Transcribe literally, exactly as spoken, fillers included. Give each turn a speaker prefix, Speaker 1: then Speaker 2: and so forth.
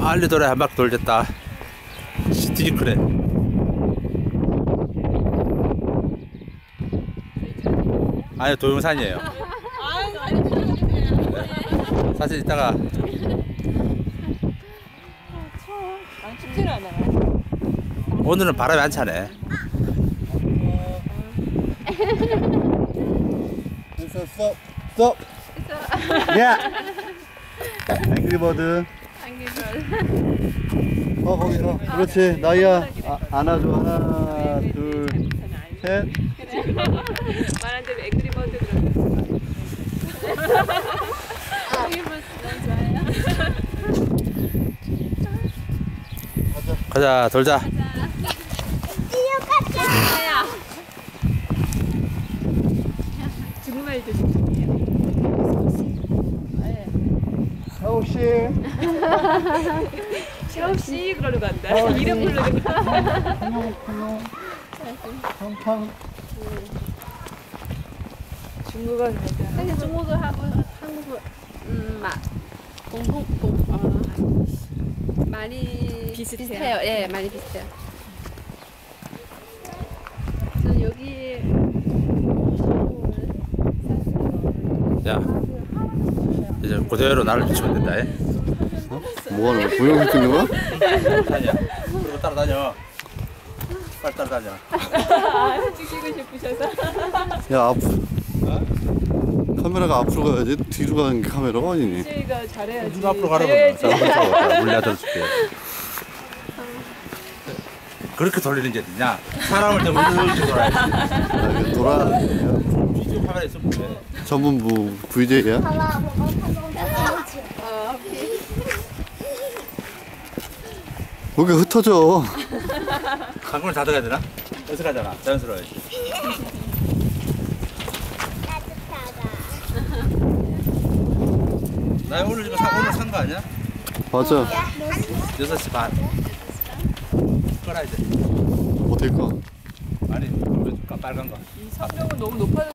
Speaker 1: 빨리 돌아. 한 바퀴 돌렸다. 되게 크네. 아니, 동영상이에요. 네. 사실 이따가
Speaker 2: 춥지는 않아요.
Speaker 1: 오늘은 바람이 안 차네.
Speaker 3: 됐어, 스톱, 스톱. 야. 앵그리버드. 어, 거기, 어, 그렇지. 나이야. 아, 안아줘. 하나, 둘, 셋.
Speaker 2: 말한 대로 앵그리버드 그러면.
Speaker 1: 가자, 돌자.
Speaker 2: 중국말도 중국이에요.
Speaker 3: 샤오씨.
Speaker 2: 샤오씨 그러는 거 한다. 이름 부르는 거.
Speaker 3: 팡팡.
Speaker 2: 중국어 가자.
Speaker 4: 사실 중국어하고 한국어 음, 마, 공통 공, 어, 많이
Speaker 2: 비슷해요.
Speaker 4: 비슷해요. 예, 많이 비슷해요. 저는 여기
Speaker 1: 야, 이제 그대로 나를 비추면 된다. 에?
Speaker 3: 어? 뭐 하는 거야? 동영상 찍는 거야?
Speaker 1: 다녀. 그리고 따라다녀. 빨리 따라다녀.
Speaker 2: 아, 찍고 싶으셔서.
Speaker 3: 야, 앞으로. 카메라가 앞으로 가야지. 뒤로 가는 게 카메라가 아니니.
Speaker 2: 저희가 잘해야지.
Speaker 1: 누가 앞으로 가라고.
Speaker 2: 잘해야지.
Speaker 1: 자, 물려들어줄게. 그렇게 돌리는 게 어딨냐? 사람을 더 물려들지 돌아야지.
Speaker 3: 아, 이거 돌아.
Speaker 1: 비디오 카메라 있으면 돼.
Speaker 3: 전문부 브이제이야? 거기 흩어져.
Speaker 1: 방금을 닫아야 되나? 어색하잖아. 자연스러워야지. 나 오늘 이거 사, 오늘 산 거 아니야?
Speaker 3: 맞아.
Speaker 1: 여섯 시 반. 꺼라 이제.
Speaker 3: 어딜 까?
Speaker 1: 아니, 보여줄까? 빨간 거.
Speaker 2: 이 성명은 너무 높아.